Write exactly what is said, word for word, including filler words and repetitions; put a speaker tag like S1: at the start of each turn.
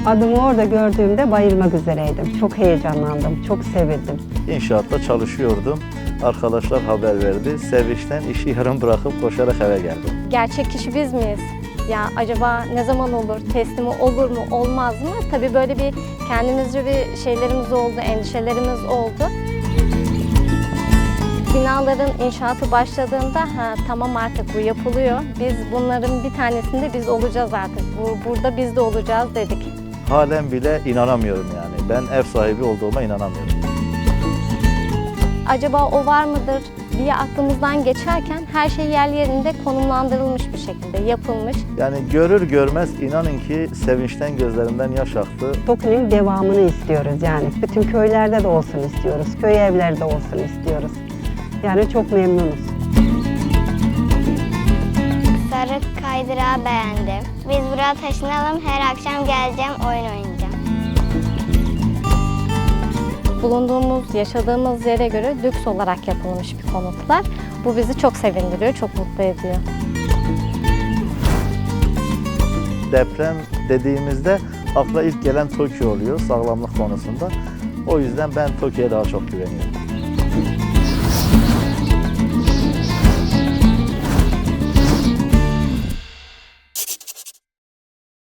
S1: Adımı orada gördüğümde bayılmak üzereydim. Çok heyecanlandım, çok sevindim.
S2: İnşaatta çalışıyordum. Arkadaşlar haber verdi. Sevinçten işi yarım bırakıp koşarak eve geldim.
S3: Gerçek kişi biz miyiz? Ya acaba ne zaman olur, teslimi olur mu, olmaz mı? Tabii böyle bir kendimizce bir şeylerimiz oldu, endişelerimiz oldu. Binaların inşaatı başladığında ha, tamam artık bu yapılıyor. Biz bunların bir tanesinde biz olacağız artık. Bu, burada biz de olacağız dedik.
S2: Halen bile inanamıyorum yani. Ben ev sahibi olduğuma inanamıyorum.
S3: Acaba o var mıdır diye aklımızdan geçerken her şey yerli yerinde konumlandırılmış bir şekilde yapılmış.
S2: Yani görür görmez inanın ki sevinçten gözlerimden yaş aktı.
S1: TOKİ'nin devamını istiyoruz yani. Bütün köylerde de olsun istiyoruz, köy evlerde olsun istiyoruz. Yani çok memnunuz.
S4: Sarı kaydırağı beğendim. Biz buraya taşınalım, her akşam geleceğim, oyun oynayacağım.
S3: Bulunduğumuz, yaşadığımız yere göre lüks olarak yapılmış bir konutlar. Bu bizi çok sevindiriyor, çok mutlu ediyor.
S2: Deprem dediğimizde akla ilk gelen TOKİ oluyor sağlamlık konusunda. O yüzden ben TOKİ'ye daha çok güveniyorum.